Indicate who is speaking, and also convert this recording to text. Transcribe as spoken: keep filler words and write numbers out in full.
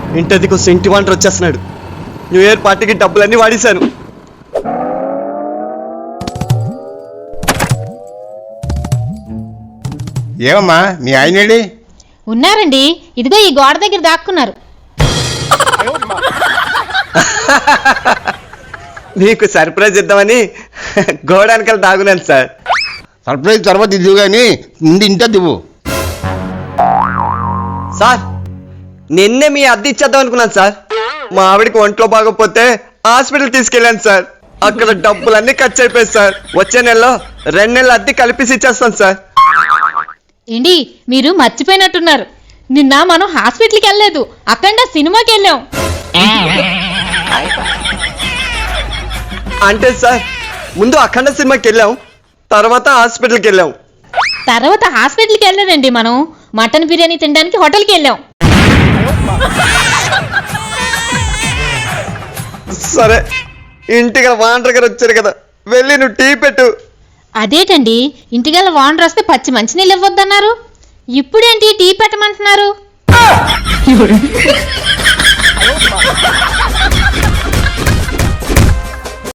Speaker 1: ఇంటదికి వస్తే ఇంటి వంట వచ్చేస్తున్నాడు. న్యూ ఇయర్ పార్టీకి డబ్బులన్నీ వాడేశాను.
Speaker 2: ఏమమ్మా మీ ఆయనేడి?
Speaker 3: ఉన్నారండి, ఇదిగో ఈ గోడ దగ్గర దాక్కున్నారు.
Speaker 1: నీకు సర్ప్రైజ్ ఇద్దామని గోడానికల్ దాగున్నాను సార్.
Speaker 2: సర్ప్రైజ్ తర్వాత ఇదివు కానీ ముందు ఇంట దివ్వు.
Speaker 1: సార్ నిన్నే మీ అద్దె ఇచ్చేద్దాం అనుకున్నాను సార్. మా ఆవిడకి ఒంట్లో బాగోకపోతే హాస్పిటల్ తీసుకెళ్ళాను సార్. అక్కడ డబ్బులన్నీ ఖర్చు అయిపోయాయి సార్. వచ్చే నెలలో రెండు నెలల అద్దె కలిపేసి ఇచ్చేస్తాను సార్.
Speaker 3: ఏంటి మీరు మర్చిపోయినట్టున్నారు, నిన్న మనం హాస్పిటల్కి వెళ్ళలేదు, అక్కడ సినిమాకి వెళ్ళాం.
Speaker 1: అంటే సార్ ముందు అఖండ సినిమాకి వెళ్ళాం, తర్వాత హాస్పిటల్కి వెళ్ళాం.
Speaker 3: తర్వాత హాస్పిటల్కి వెళ్ళానండి, మనం మటన్ బిర్యానీ తినడానికి హోటల్కి వెళ్ళాం.
Speaker 1: సరే ఇంటికి వాండర్ గారు వచ్చారు కదా, వెళ్ళి నువ్వు టీ పెట్టు.
Speaker 3: అదేటండి, ఇంటికల్లా వాండర్ వస్తే పచ్చి మంచినీళ్ళు ఇవ్వద్దన్నారు, ఇప్పుడేంటి టీ పెట్టమంటున్నారు?